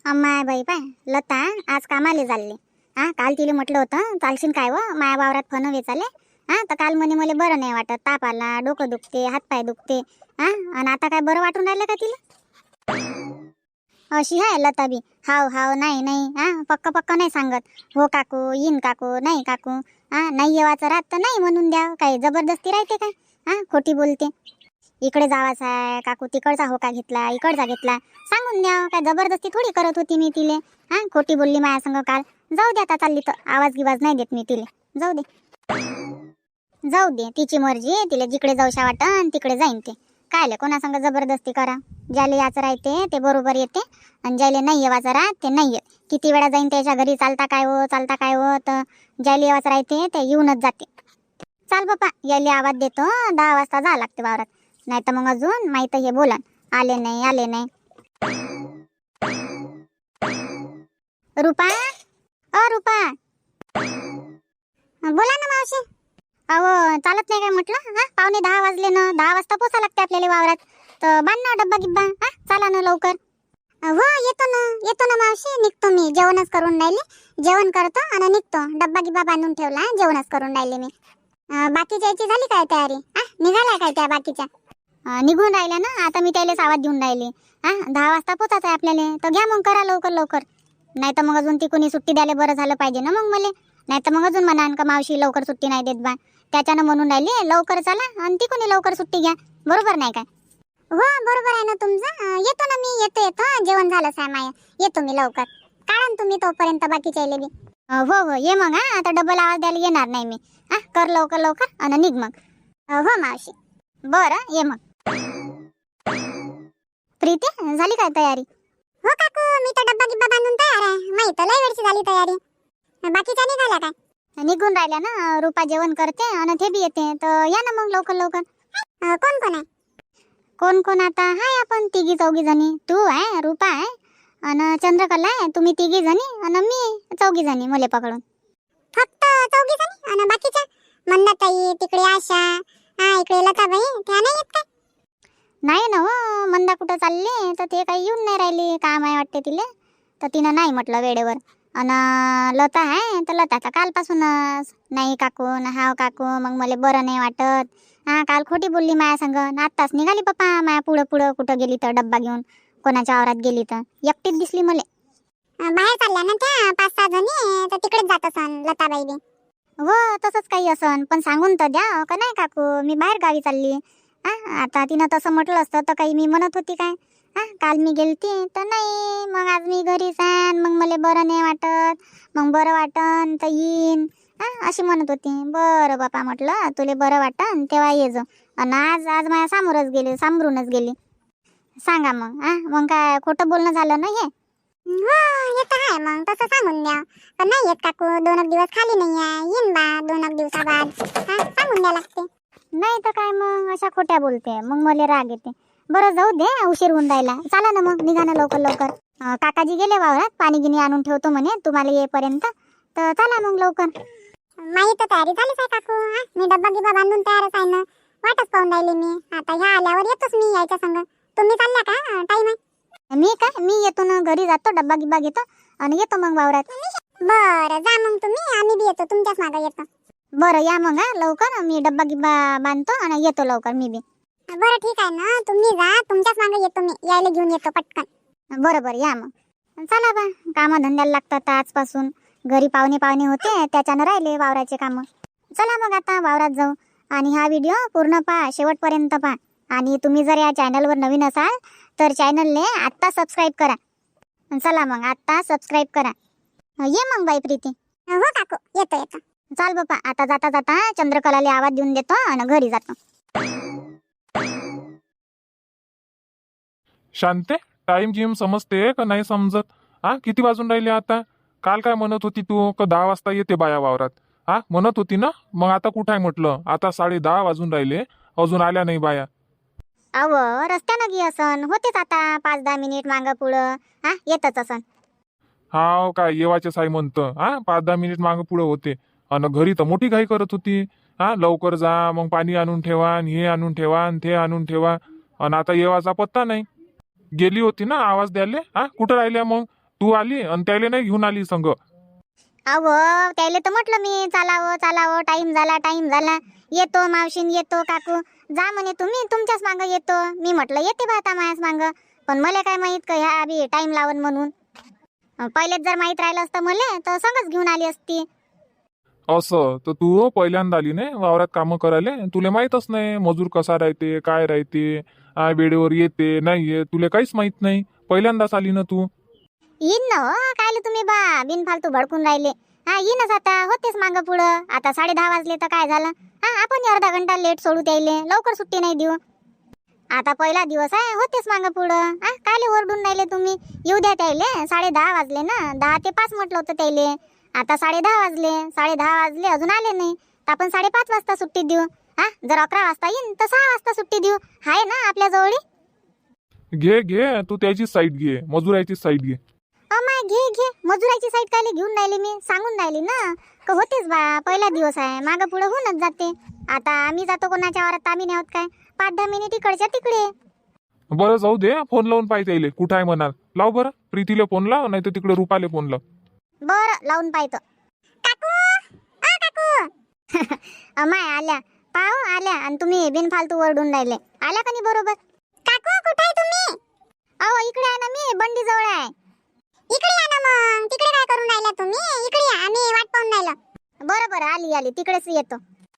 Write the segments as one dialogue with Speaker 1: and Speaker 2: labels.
Speaker 1: अम्माय बाई पाय लता आज कामाले चालले. काल तिला म्हटलं होतं चालशील काय व माया वावरात फन वेचाले. तर काल म्हणे मला बरं नाही वाटत, ताप आला, डोकं दुखते, हातपाय दुखते. आणि आता काय बरं वाटून राहिलं का तिला? अशी आहे लता बी. हाव हाव नाही नाही पक्क पक्क नाही सांगत. हो काकू येईन काकू, नाही काकू नाही येवाचं राहत तर नाही म्हणून द्या. काही जबरदस्ती राहते काय? खोटी बोलते. इकडे जावाचं आहे काकू, तिकडचा होका घेतला, इकडचा घेतला, सांगून द्या. काय जबरदस्ती थोडी करत होती मी तिले. खोटी बोलली माझ्या संग काल. जाऊ दे आता, चालली तर आवाज गिवाज नाही देत मी तिले. जाऊ दे जाऊ दे, तिची मर्जी. तिला जिकडे जाऊशा वाटन तिकडे जाईन ते. कायले कोणासंग जबरदस्ती करा. ज्याला याचं राहते ते बरोबर येते, आणि ज्याला नाही येवाचं राहत ते नाही येत. किती वेळा जाईन त्याच्या घरी, चालता काय हो चालता काय हो, तर ज्याला येवाचं राहते ते येऊनच जाते. चाल बापा, यायला आवाज देतो. 10 वाजता जा लागते वावरात, नाही तर मग अजून माहित हे बोला आले नाही आले नाही. रुपा, रुपा बोला ना मावशी. अहो चालत नाही काय म्हटलं? पावणे 10 वाजले ना, 10 वाजता पोचा लागते आपल्याला वावरात. तर बांध ना डब्बा गिब्बा. चला ना लवकर. हो येतो ना मावशी, निघतो मी. जेवणच करून राहिले, जेवण करतो आणि निघतो. डब्बा गिब्बा बांधून ठेवला, जेवणच करून राहिले मी. बाकीच्या याची झाली काय तयारी? निघाल्या काय त्या बाकीच्या? निघून राहिल्या ना. आता मी त्यालाच आवाज देऊन राहिले. 10 वाजता पोचायचं आहे आपल्याला, तर घ्या मग करा लवकर लवकर. नाही तर मग अजून ती कोणी सुट्टी द्यायला बरं झालं पाहिजे ना मग मला. नाही तर मग अजून म्हणा का मावशी लवकर सुट्टी नाही देत बा. त्याच्यानं म्हणून राहिले लवकर चला, आणि ती कोणी लवकर सुट्टी घ्या. बरोबर नाही काय? हो बरोबर आहे ना तुमचं. येतो ना मी, येतो. जेवण झालंच आहे माया. येतो मी लवकर. काढा तुम्ही तोपर्यंत बाकीच्या बी. हो ये मग. आता डबल आवाज द्यायला येणार नाही मी. कर लवकर लवकर आणि निघ मग. हो मावशी. बरं ये मग. प्रीती झाली काय तयारी? हो काकू, मी तर डब्बा गिब्बा बांधून तयार आहे. माहित लय वेळची झाली तयारी. बाकीच्या निघाल्या काय? निघून राहिल्या ना. रूपा जेवण करते आणि ते बी येते, तर या ना मग लवकर लवकर. कोण कोण आहे? कोण कोण आता हाय आपण तिघी चौघी जणी. तू आहे, रूपा आहे आणि चंद्रकला आहे. तुम्ही तिघी जणी आणि मी 4 जणी मुले पकडून. फक्त 4 जणी? आणि बाकीच्या मंदाताई, तिकडे आशा, इकडे लताबाई, त्या नाही येत काय? नाही ना हो, मंदा कुठं चालली, तर ते काही येऊन नाही राहिली. काम आहे वाटते तिले, तर तिनं नाही म्हटलं वेळेवर. आणि लता आहे, तर लता तर कालपासूनच नाही काकू ना हाव काकू, मग मला बरं नाही वाटत. काल खोटी बोलली माया संग. आत्ताच निघाली पप्पा माया पुढं पुढं. कुठं गेली तर डब्बा घेऊन, कोणाच्या आवरात गेली तर एकटीच दिसली मला. बाहेर चालल्या ना त्या 5-6 जणी, तर तिकडेच जात असन लताबाई बी. हो तसंच काही असन, पण सांगून तर द्या का नाही काकू मी बाहेर गावी चालली. आता तिनं तसं म्हटलं असतं तर काही मी म्हणत होती काय? काल मी गेलती तर नाही, मग आज मी घरीच आहे, मग मला बरं नाही वाटत, मग बरं वाटन तर येईन अशी म्हणत होती. बरं बापा म्हटलं, तुले बरं वाटन तेव्हा ये जो. आणि आज आज माझ्या सामोरच गेली, सांभरूनच गेली. सांगा मग. मग काय खोटं बोलणं झालं ना हे? हो येत आहे मग तसं सांगून द्या. पण नाही येत काकू, 2 दिवस खाली नाही आहे, येईन बा 2 दिवसाबाद. सांगून द्या लागते. नाही तर काय मग अशा खोट्या बोलते, मग मला राग येते. बरं जाऊ दे, उशीर होऊन राहिला. चला ना मग, निघा ना लवकर लवकर. काकाजी गेले वावरात, पाणी गिनी आणून ठेवतो म्हणे तुम्हाला येईपर्यंत, तर चला मग लवकर. माही तर तयारी झालीच आहे काकू. मी डब्बा गिब्बा बांधून तयारच आहे ना, वाटच पाहून राहिली मी. आता ह्या आल्यावर येतोच मी यायच्या संग. तुम्ही चालल्या का? टाइम आहे? मी येतो ना, घरी जातो, डब्बा गिब्बा घेतो आणि येतो मग वावरात. बरं जा मग तुम्ही, आम्ही बी येतो तुमच्याच मागे येतो. बरं या मग लवकर. मी डब्बा गिब्बा बांधतो आणि येतो लवकर मी बी. बरं ठीक आहे ना, तुम्ही जा, तुमच्याच मागे येतो मी. यायला घेऊन येतो पटकन. बरं या मग. चला बा, कामं धंद्याला लागतात आजपासून. घरी पाहुणे होते, त्याच्यानं राहिले वावराचे कामं. चला मग आता वावरात जाऊ. आणि हा व्हिडिओ पूर्ण पहा, शेवटपर्यंत पहा. आणि तुम्ही जर या चॅनलवर नवीन असाल तर चॅनलने आत्ता सबस्क्राईब करा. चला मग आत्ता सबस्क्राईब करा. ये मग बाई प्रीती. हो काकू येतो. चाल बापा, आता जाता जाता चंद्रकलाला आवाज देऊन देतो आणि घरी जातो.
Speaker 2: शांते, टाइम गिम समजते का नाही समजत? किती वाजून राहिले आता? काल काय म्हणत होती तू का 10 वाजता येते बाया वावरात? म्हणत होती ना. मग आता कुठं आहे म्हटलं? आता 10:30 वाजून राहिले, अजून आल्या नाही बाया.
Speaker 1: अव रस्त्यानं गी असन, होतेच आता 5-10 मिनिट मागं पुढं. येतच असन.
Speaker 2: हाव काय येवाचे साई म्हणतं. 5-10 मिनिट मागं पुढं होते. आणि घरी तर मोठी घाई करत होती. लवकर जा, मग पाणी आणून ठेवा, आणि हे आणून ठेवा, आणि ते आणून ठेवा. आणि आता येवाचा पत्ता नाही. गेली होती ना आवाज द्यायला. कुठं राहिल्या मग? तू आली आणि त्याला नाही घेऊन आली संग.
Speaker 1: अहो त्याला तर म्हटलं मी चालावं चालावं, टाइम झाला येतो मावशीन, येतो काकू. जा म्हणे तुम्ही, तुमच्याच मांग येतो. मी म्हटलं येते बा आता मायाच मांग, पण मला काय माहित का ह्या बी टाइम लावून म्हणून. पहिलेच जर माहित राहिलं असतं मला तर संगच घेऊन आली असती.
Speaker 2: असं तर तू पहिल्यांदा आली नाही वावरात कामं करायला, तुला माहीतच नाही मजूर कसा राहते काय राहते, वेळेवर येते नाही येत, तुला काहीच माहित नाही. पहिल्यांदाच आली ना तू.
Speaker 1: येईन ना हो, कायले तुम्ही बा बिनफालतू भडकून राहिले. हा येईनच आता, होतेच मागं पुढं. आता 10:30 वाजले तर काय झालं, हा आपण अर्धा घंटा लेट सोडू द्यायले, लवकर सुट्टी नाही देऊ. आता पहिला दिवस आहे, होतेच मागं पुढं. हा कायले ओरडून राहिले तुम्ही. येऊ द्या त्याले, 10:30 वाजले ना, 10 ते 5 म्हटलं होतं त्याले. आता 10:30 वाजले, 10:30 वाजले अजून आले नाही, तर आपण 5:30 वाजता सुट्टी देऊ. हा जर 11 वाजता येईन तर 6 वाजता सुट्टी देऊ. हाय ना आपल्या जवळी.
Speaker 2: घे तू त्याची साईड घे, मजुराची साईड घे.
Speaker 1: अमाय घे मजुराची साईड कायले घेऊन राहिली, मी सांगून राहिली ना का होतेच बा, पहिला दिवस आहे, मागं पुढं होऊनच जाते. आता आम्ही जातो कोणाच्या वावरात, आम्ही नाही होत काय, 5-10 मिनिट इकडच्या तिकडे.
Speaker 2: बरं जाऊ दे, फोन लावून पाहिजे येईल कुठं आहे म्हणाल. लाव बरं, प्रीतीला फोन लाव, नाही तर तिकडे रुपाले फोन लाव.
Speaker 1: बरं लावून पाहतो. काकू काकू अमाय आल्या, पाहू आल्या, आणि तुम्ही बिनफालतू ओरडून राहिले. आल्या का नाही बरोबर. काकू कुठे आहे तुम्ही. अहो इकडे आहे ना, मी बंडी जवळ आहे. इकडे या ना मग, तिकडे काय करून राहिला तुम्ही, इकडे या, आम्ही वाट पाहून राहिलो. बरं आली तिकडेच येतो.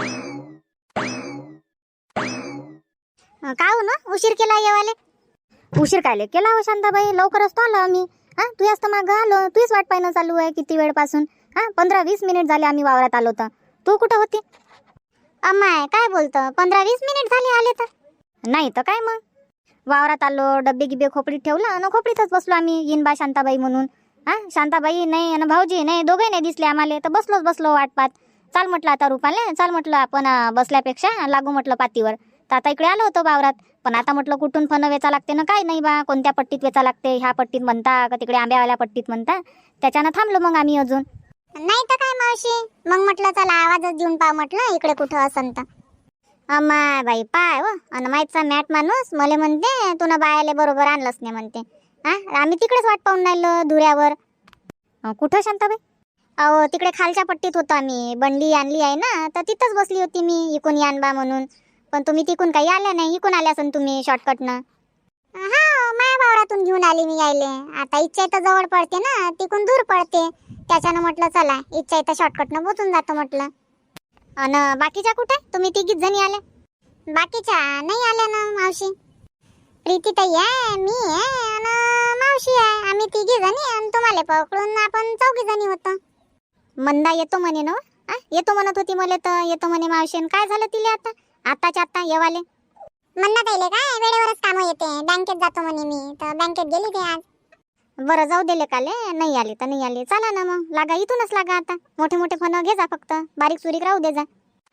Speaker 1: का हो ना उशीर केला येवाले. उशीर कायले केला हो शांताबाई, लवकरच तो आलो आम्ही. हा तू जास्त मागं आलो, तूच वाट पाहणं चालू आहे किती वेळपासून. हा 15-20 मिनिट झाले आम्ही वावरात आलो तर तू कुठं होती. अम्माय काय बोलतो, 15-20 मिनिट झाले आले तर. नाही तर काय मग, वावरात आलो, डब्बे गिब्बे खोपडीत ठेवलं आणि खोपडीतच बसलो आम्ही. येईन बा शांताबाई म्हणून. हा शांताबाई नाही आणि भाऊजी नाही, दोघे नाही दिसले आम्हाला, तर बसलो वाट पाहत. चाल म्हटलं आता रुपाले, चाल म्हटलं आपण बसल्यापेक्षा लागू म्हटलं पातीवर. तर आता इकडे आलो होतो वावरात, पण आता म्हटलं कुठून फन वेचा लागते ना काय नाही बा, कोणत्या पट्टीत वेचा लागते, ह्या पट्टीत म्हणता का तिकडे आंब्यावाल्या पट्टीत म्हणता, त्याच्यानं थांबलो मग आम्ही अजून. नाही तर काय मावशी, मग म्हटलं चला आवाजच देऊन पहा म्हटलं इकडे कुठं असन तर. अम्माय बाई पाय हो, अन माहीतचा मॅट माणूस मला म्हणते तुला बायाले बरोबर आणलंच नाही म्हणते. हा आम्ही तिकडेच वाट पाहून राहिलो धुऱ्यावर. कुठं शांताबाई. अहो तिकडे खालच्या पट्टीत होतो आम्ही, बंडी आणली आहे ना तर तिथंच बसली होती मी, इकून यान बा म्हणून. पण तुम्ही तिकून काही आल्या नाही, इकून आल्या असन तुम्ही शॉर्टकटनं. हा माया वावरातून घेऊन आली मी यायले. आता इच्छा तर जवळ पडते ना, तिकून दूर पडते, त्याच्यानं म्हटलं चला इच्छा तर शॉर्टकटनं पोचून जातो म्हटलं. अन बाकीच्या कुठे, तुम्ही तिघीच जणी आल्या. बाकीच्या नाही आल्या ना मावशी. प्रीती ताई आहे, मी आहे आणि मावशी आहे, आम्ही तिघी जणी, आणि तुम्हाला पकडून आपण 4 जणी होतो. मंदा येतो म्हणे ना, येतो म्हणत होती मला तर, येतो म्हणे मावशी. काय झालं तिला आताच्या आता येवाले. मंदा ताईले काय वेळेवरच कामं येते, बँकेत जातो म्हणे मी, तर बँकेत गेली ते आज. बरं जाऊ दिले काले, नाही आले तर नाही आले, चला ना मग लागा, इथूनच लागा. आता मोठे फन घे जा, फक्त बारीक सुरीक राहू दे जा.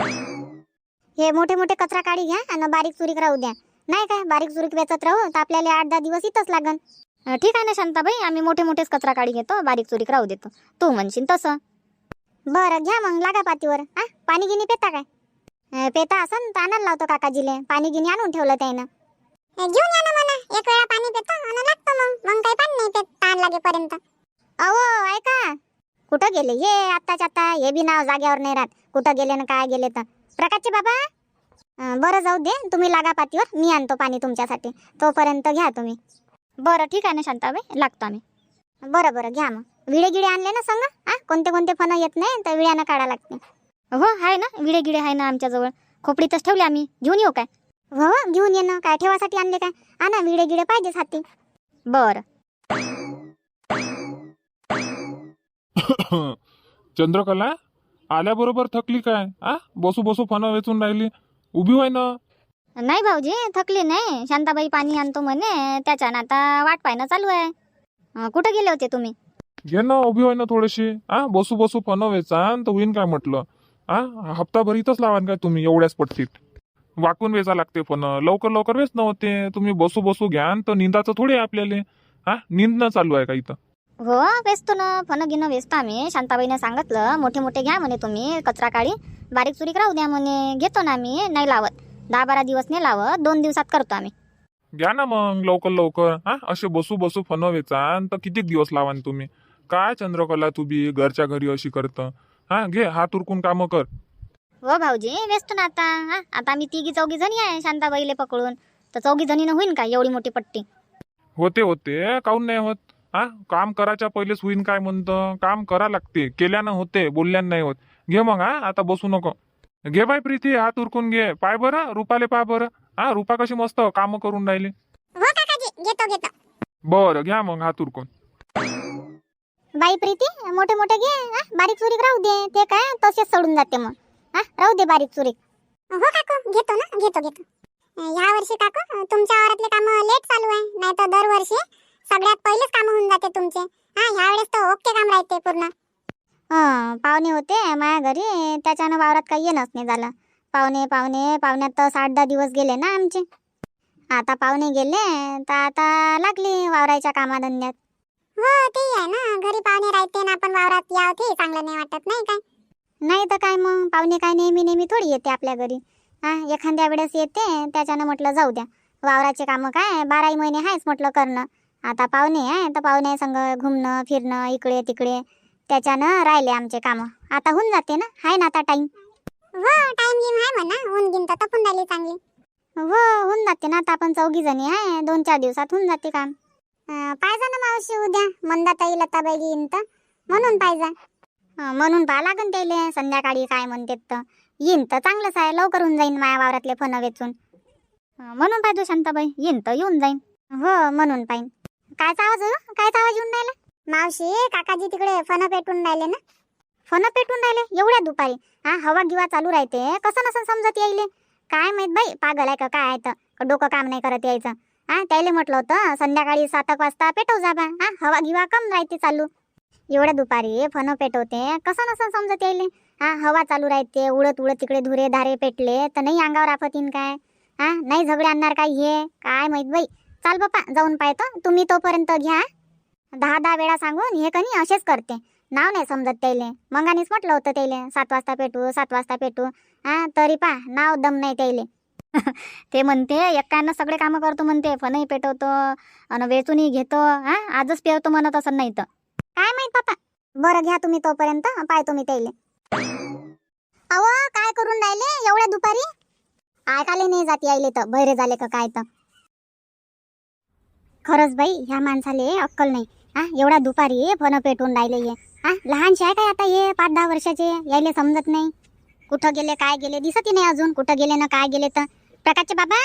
Speaker 1: हे मोठे कचरा काढी घ्या आणि बारीक सुरीक राहू द्या. नाही काय बारीक सुरीक वेचत राहू तर आपल्याला 8-10 दिवस इथंच लागन. ठीक आहे ना शांताबाई, आम्ही मोठेच कचरा काढी घेतो, बारीक सुरीक राहू देतो, तू म्हणशील तसं. बरं घ्या मग लागा पातीवर. पाणी गिनी पेता काय. पेता असन तर आणायला लावतो काकाजीले, पाणी गिनी आणून ठेवलं त्यानं. घेऊन या ना म्हणा, एक वेळा पाणी पेतो आणि लागतो मग काही पाणी नाही पेत ताण लागेपर्यंत. अहो ऐका, कुठं गेले हे आत्ताच्या आता, हे बी नाव जाग्यावर नाही राहत, कुठं गेले ना काय गेले तर. प्रकाशचे बाबा बरं जाऊ दे, तुम्ही लागा पातीवर, मी आणतो पाणी तुमच्यासाठी, तोपर्यंत घ्या तुम्ही. बरं ठीक आहे ना शांताबाई, लागतो आम्ही. बरं घ्या मग. विडे गिडे आणले ना संग. कोणते फणं येत नाही तर विड्यानं काढा लागते. हो आहे ना, विडे गिडे आहे ना आमच्याजवळ, खोपडीतच ठेवले आम्ही, घेऊन येऊ काय. हो घेऊन ये ना, काय ठेवासाठी आणले काय. आणा विडे गिडे पाहिजेच हाती. बरं.
Speaker 2: चंद्रकला आल्याबरोबर थकली काय. बसू फन वेचून राहिली, उभी व्हाय ना.
Speaker 1: नाही भाऊजी थकली नाही, शांताबाई पाणी आणतो म्हणे, त्याच्यानं आता वाट पाहणं चालू आहे. कुठं गेले होते तुम्ही.
Speaker 2: घे ना उभी व्हाय ना थोडीशी. बसू फन वेचान तर होईन काय म्हटलं. हप्ताभर इथंच लावान काय तुम्ही एवढ्याच पट्टीत. वाकून वेचा लागते फन, लवकर वेच नव्हते. तुम्ही बसू घ्यान तर निंदाचं थोडे आपल्याला. निंदणं चालू आहे का इथं.
Speaker 1: हो वेचतो ना, फन गिनं वेचतो आम्ही. शांताबाईने सांगितलं मोठे घ्या म्हणे तुम्ही कचरा काढी, बारीक सुरीक राहू द्या म्हणे. घेतो ना आम्ही, नाही लावत 10-12 दिवस नाही लावत, 2 दिवसात करतो आम्ही.
Speaker 2: घ्या ना मग लवकर लवकर. हा असे बसू बसू फन वेचान तर किती दिवस लावान तुम्ही. काय चंद्रकला तू बी घरच्या घरी अशी करतं. हा घे हात उरकून कामं कर.
Speaker 3: हो भाऊजी व्यस्त ना आता. हा आता आम्ही तिघी चौघी जणी आहे शांताबाईले पकडून, तर चौघी जणीनं होईन का एवढी मोठी पट्टी?
Speaker 2: होते काहून नाही होत. हा काम करायच्या पहिलेच होईन काय म्हणतं. काम करा लागते, केल्यानं होते, बोलल्यानं नाही होत. घे मग. हा आता बसू नको. घे बाय प्रीती हात उरकून घे. पाय बरं रुपाले पाय बरं. हा रुपा कशी मस्त काम करून राहिली.
Speaker 1: हो काकाजी घेतो घेतो.
Speaker 2: बरं घ्या मग हात उरकून.
Speaker 1: बाई प्रीती मोठे मोठे घे. बारीक चुरीक राहू दे, ते काय तसेच सोडून जाते मग. राहू दे बारीक चुरीक. हो काकू घेतो ना घेतो. ह्या वर्षी काकू तुमच्या वावरातले काम लेट चालू आहे, नाही तर दरवर्षी सगळ्यात पहिलेच काम होऊन जाते तुमचे. ह्या वेळेस तर ओके काम राहते पूर्ण.
Speaker 3: पाहुणे होते माझ्या घरी, त्याच्यानं वावरात काही येणंच नाही झालं. पाहुण्यात तर 8-10 दिवस गेले ना आमचे. आता पाहुणे गेले तर आता लागली वावराच्या कामाधंद्यात.
Speaker 1: हो ते आहे ना, घरी पाहुणे राहते ना आपण वावरात याव ते चांगलं नाही वाटत नाही काय.
Speaker 3: नाही तर काय मग, पाहुणे काय नेहमी थोडी येते आपल्या घरी. एखाद्या वेळेस येते, त्याच्यानं म्हटलं जाऊ द्या. वावराचे कामं काय 12 महिने आहेच म्हटलं करणं. आता पाहुणे आहे तर पाहुणे संग घुमणं फिरणं इकडे तिकडे, त्याच्यानं राहिले आमचे कामं. आता होऊन जाते ना, आहे ना आता टाईम.
Speaker 1: हो टाइम गेम आहे म्हणा, ऊन गिन तर तपून राहिली चांगली.
Speaker 3: हो होऊन जाते ना, आता आपण 4 जणी आहे, 2-4 दिवसात होऊन जाते काम.
Speaker 1: पाहिजे ना मावशी उद्या मंदाताई लताबाई येईन तर म्हणून पाहिजे.
Speaker 3: म्हणून पहा लागन त्याले संध्याकाळी काय म्हणते तर. येईन तर चांगलंच आहे, लवकर होऊन जाईन माझ्या वावरातले फन वेचून. म्हणून पाहिजे शांताबाई, येईन तर येऊन जाईन. हो म्हणून पाहिन. कायचा आवाज हो? कायचा आवाज येऊन राहिला?
Speaker 1: मावशी काकाजी तिकडे फन पेटून राहिले ना.
Speaker 3: फन पेटून राहिले एवढ्या दुपारी? हवा गिवा चालू राहते, कसं नसं समजत यायले. काय माहित बाई, पागल आहे का काय आहे तर डोकं काम नाही करत यायचं. त्याला म्हटलं होतं संध्याकाळी 7 वाजता पेटव जा बा. हवा गिवा कम राहते चालू. एवढ्या दुपारी फन पेटवते, कसं नसं समजत यायले. हवा चालू राहते, उडत तिकडे धुरे धारे पेटले तर नाही अंगावर आफत येईन काय? नाही झगडे आणणार काय हे काय माहित बाई. चाल बापा जाऊन पाहतो, तुम्ही तोपर्यंत घ्या. 10 वेळा सांगून हे कणी असेच करते. नाव नाही समजत त्याले. मंगानीच म्हटलं होतं त्याले 7 वाजता पेटू 7 वाजता पेटू. तरी पा नाव दम नाही त्याले. ते म्हणते एकानं सगळे कामं करतो म्हणते, फनही पेटवतो आणि वेचूनही घेतो. आजच पेवतो म्हणत असं नाही तर काय माहित बापा.
Speaker 1: बरं घ्या तुम्ही तोपर्यंत, पाहतो मी त्याले.
Speaker 3: अहो काय करून राहिले एवढ्या दुपारी? ऐकाले नाही जात यायले तर बहिरे झाले का काय तर. खरंच बाई ह्या माणसाले अक्कल नाही. एवढ्या दुपारी फन पेटून राहिले हे. लहानशे आहे काय आता हे 5-10 वर्षाचे, यायले समजत नाही. कुठं गेले काय गेले दिसतही नाही अजून, कुठं गेले ना काय गेले तर. प्रकाशचे बाबा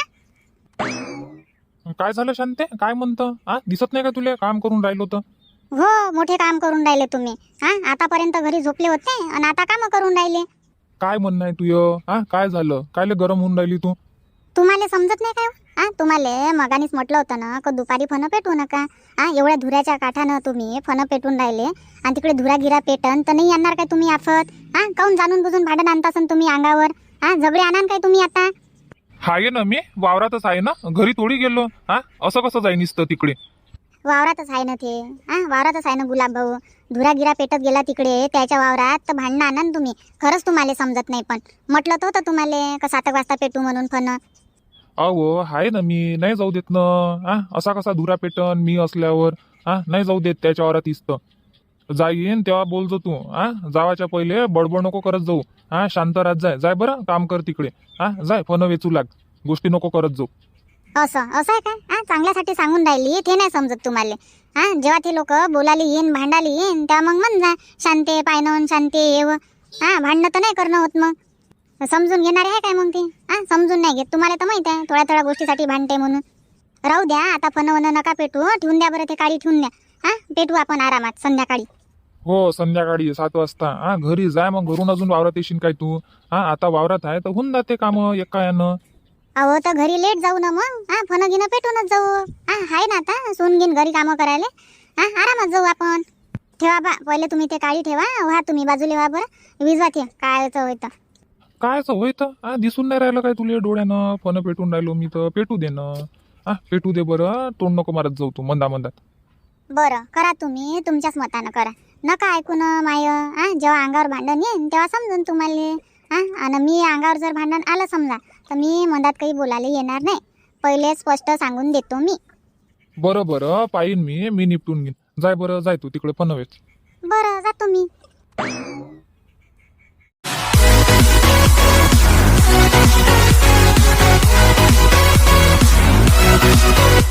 Speaker 2: काय झालं शांते, काय म्हणतं? दिसत नाही का तुला काम करून राहिलो तर?
Speaker 3: हो मोठे काम करून राहिले तुम्ही. आतापर्यंत घरी झोपले होते आणि आता काम करून राहिले.
Speaker 2: काय म्हणणं आहे तुझं? काय झालं? कायले गरम होऊन राहिली तू?
Speaker 3: तुम्हाला समजत नाही काय? तुम्हाला मगानीच म्हटलं होतं ना का दुपारी फन पेटवू नका. एवढ्या धुऱ्याच्या काठानं तुम्ही फन पेटून राहिले आणि तिकडे धुरा गिरा पेटन तर नाही आणणार काय तुम्ही आफत? काऊन जाणून बुजून भांडण आणतासन तुम्ही अंगावर? झगडे आणान काय तुम्ही आता?
Speaker 2: आहे ना मी वावरातच आहे ना, घरी थोडी गेलो. असं कसं जाई नुसतं तिकडे?
Speaker 3: वावरातच आहे ना ते. वावरातच आहे ना गुलाब भाऊ. धुरा गिरा पेटत गेला तिकडे त्याच्या वावरात तर भांडणं आणा तुम्ही. खरंच तुम्हाला समजत नाही. पण म्हटलं तर होतं तुम्हाला का 7 वाजता पेटू म्हणून फन.
Speaker 2: अहो आहे ना मी, नाही जाऊ देत ना. असा कसा धुरा पेटन मी असल्यावर? नाही जाऊ देत त्याच्या वावरात इस्त. जाईन तेव्हा बोलतो तू. जावाच्या पहिले बडबड नको करत जाऊ. शांत राहत जाय बरं, काम कर तिकडे. जाय फन वेचू लाग, गोष्टी नको करत जाऊ.
Speaker 3: असं आहे काय? चांगल्यासाठी सांगून राहिली ते नाही समजत तुम्हाला. जेव्हा ते लोक बोलायला येईन भांडायला येईन तेव्हा मग म्हण जा शांते पायनवून शांते येव. भांडणं तर नाही करणं होत मग. समजून घेणारे आहे काय मग ते? समजून नाही घेत. तुम्हाला तर माहित आहे थोड्या गोष्टीसाठी भांडते म्हणून. राहू द्या आता फन नका पेटू, ठेवून द्या बरं ते काळी ठेवून द्या. पेटू आपण आरामात संध्याकाळी.
Speaker 2: हो संध्याकाळी 7 वाजता. घरी जाय मग, घरून अजून वावरात येशील काय तू? आता वावरात आहे तर होऊन जाते काम एका यानं.
Speaker 3: अहो तर घरी लेट जाऊ ना मग. फन गिनं पेटूनच जाऊ. आहे ना आता सून घेईन घरी कामं करायला. आरामात जाऊ आपण. ठेवा बा पहिले तुम्ही ते काळी ठेवा. व्हा तुम्ही बाजूला व्हा बरं. विजवा ते काय होतं.
Speaker 2: कायच होय तर? दिसून नाही राहिलं काय तुला डोळ्यानं? फन पेटून राहिलो मी तर पेटू दे ना. पेटू दे बरं, तोंड नको मारत जाऊ तू मंदात.
Speaker 3: बरं करा तुम्ही तुमच्याच मतानं करा. नका ऐकून माय. जेव्हा अंगावर भांडण येईन तेव्हा समजून तुम्हाला. आणि मी अंगावर जर भांडण आलं समजा तर मी मधात काही बोलायला येणार नाही. पहिले स्पष्ट सांगून देतो मी.
Speaker 2: बरं बरं पाहिन मी निपटून घेईन. जाय बरं जाय तू तिकडे पनवेल.
Speaker 3: बरं जातो मी.